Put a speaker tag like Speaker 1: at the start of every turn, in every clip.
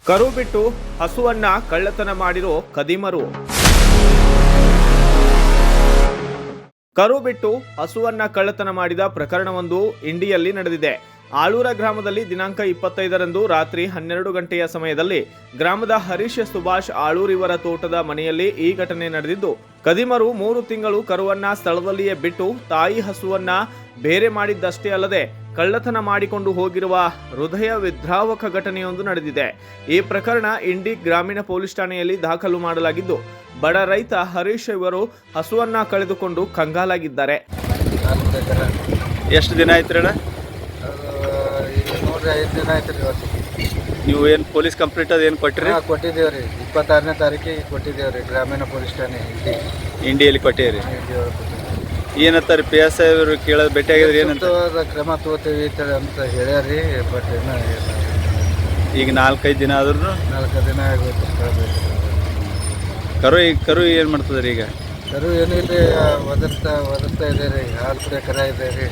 Speaker 1: ಕರು ಬಿಟ್ಟು ಹಸುವನ್ನ ಕಳ್ಳತನ ಮಾಡಿರೋ ಖದೀಮರು. ಕರು ಬಿಟ್ಟು ಹಸುವನ್ನ ಕಳ್ಳತನ ಮಾಡಿದ ಪ್ರಕರಣವೊಂದು ಇಂಡಿಯಲ್ಲಿ ನಡೆದಿದೆ. ಆಳೂರ ಗ್ರಾಮದಲ್ಲಿ ದಿನಾಂಕ 25ರಂದು ರಾತ್ರಿ 12 ಗಂಟೆಯ ಸಮಯದಲ್ಲಿ ಗ್ರಾಮದ ಹರೀಶ್ ಸುಭಾಷ್ ಆಳೂರ್ ಇವರ ತೋಟದ ಮನೆಯಲ್ಲಿ ಈ ಘಟನೆ ನಡೆದಿದ್ದು, ಖದೀಮರು 3 ತಿಂಗಳು ಕರುವನ್ನ ಸ್ಥಳದಲ್ಲಿಯೇ ಬಿಟ್ಟು ತಾಯಿ ಹಸುವನ್ನ ಬೇರೆ ಮಾಡಿದ್ದಷ್ಟೇ ಅಲ್ಲದೆ ಕಳ್ಳತನ ಮಾಡಿಕೊಂಡು ಹೋಗಿರುವ ಹೃದಯ ವಿದ್ರಾವಕ ಘಟನೆಯೊಂದು ನಡೆದಿದೆ. ಈ ಪ್ರಕರಣ ಇಂಡಿ ಗ್ರಾಮೀಣ ಪೊಲೀಸ್ ಠಾಣೆಯಲ್ಲಿ ದಾಖಲು ಮಾಡಲಾಗಿದ್ದು, ಬಡ ರೈತ ಹರೀಶ್ ಇವರು ಹಸುವನ್ನ ಕಳೆದುಕೊಂಡು ಕಂಗಾಲಾಗಿದ್ದಾರೆ.
Speaker 2: ಎಷ್ಟು ದಿನ ಆಯ್ತು ಅಣ್ಣ?
Speaker 3: 5 ದಿನ ಆಯ್ತು ರೀ.
Speaker 2: ನೀವು ಏನು ಪೊಲೀಸ್ ಕಂಪ್ಲೇಂಟ್ ಅದೇನು ಕೊಟ್ಟಿರಿ?
Speaker 3: ಕೊಟ್ಟಿದ್ದೇವೆ ರೀ. 26ನೇ ತಾರೀಕಿಗೆ ಕೊಟ್ಟಿದ್ದೇವೆ ರೀ ಗ್ರಾಮೀಣ ಪೊಲೀಸ್ ಠಾಣೆ
Speaker 2: ಇಂಡಿಯಲ್ಲಿ ಕೊಟ್ಟಿರಿ. ಏನಂತಾರೆ ಪಿ ಎಸ್ ಐ ಅವರು ಕೇಳೋದು ಭೇಟಿಯಾಗಿದ್ರೆ ಏನಂತ?
Speaker 3: ಕ್ರಮ ತಗೋತೀವಿ ಅಂತ ಹೇಳ್ಯಾರಿ. ಬಟ್ ಏನೋ
Speaker 2: ಈಗ 4-5 ದಿನ ಆದ್ರೂ
Speaker 3: 4 ದಿನ ಆಗೋಯ್ತು.
Speaker 2: ಕರು ಏನು ಮಾಡ್ತದ್ರಿ ಈಗ?
Speaker 3: ಕರು ಏನಿಲ್ಲ, ಒದರ್ತಾ ಇದೆ ರೀ. ಹಾಲು ಕುಡಿಯೋ ಕರ ಇದೆ ರೀ.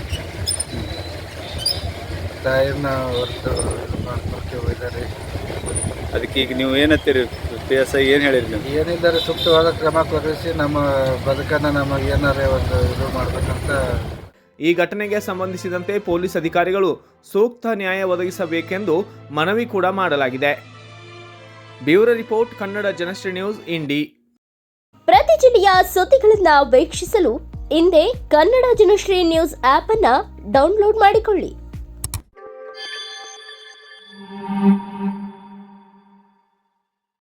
Speaker 3: ತಾಯಿನ ಹೊರತು ಮಾಡ್ಕೊಳ್ಕೆ ಹೋಗಿದ್ದಾರೆ.
Speaker 2: ಅದಕ್ಕೆ ಈಗ ನೀವು ಏನಂತೀರಿ? ಪಿ ಎಸ್ ಐ ಏನು ಹೇಳಿರಿ ನೀವು?
Speaker 3: ಏನಿದ್ದಾರೆ, ಸೂಕ್ತವಾದ ಕ್ರಮ ಕೊಡಿಸಿ ನಮ್ಮ ಬದುಕನ್ನು ನಮಗೆ ಏನಾರೇ ಒಂದು ಇದು ಮಾಡಬೇಕಂತ.
Speaker 1: ಈ ಘಟನೆಗೆ ಸಂಬಂಧಿಸಿದಂತೆ ಪೊಲೀಸ್ ಅಧಿಕಾರಿಗಳು ಸೂಕ್ತ ನ್ಯಾಯ ಒದಗಿಸಬೇಕೆಂದು ಮನವಿ ಕೂಡ ಮಾಡಲಾಗಿದೆ. Bureau report, Kannada Janashree news, Indi.
Speaker 4: ಪ್ರತಿ ಜಿಲ್ಲೆಯ ಸುದ್ದಿಗಳನ್ನು ವೀಕ್ಷಿಸಲು ಹಿಂದೆ ಕನ್ನಡ ಜನಶ್ರೀ ನ್ಯೂಸ್ ಆಪ್ ಅನ್ನು ಡೌನ್ಲೋಡ್ ಮಾಡಿಕೊಳ್ಳಿ.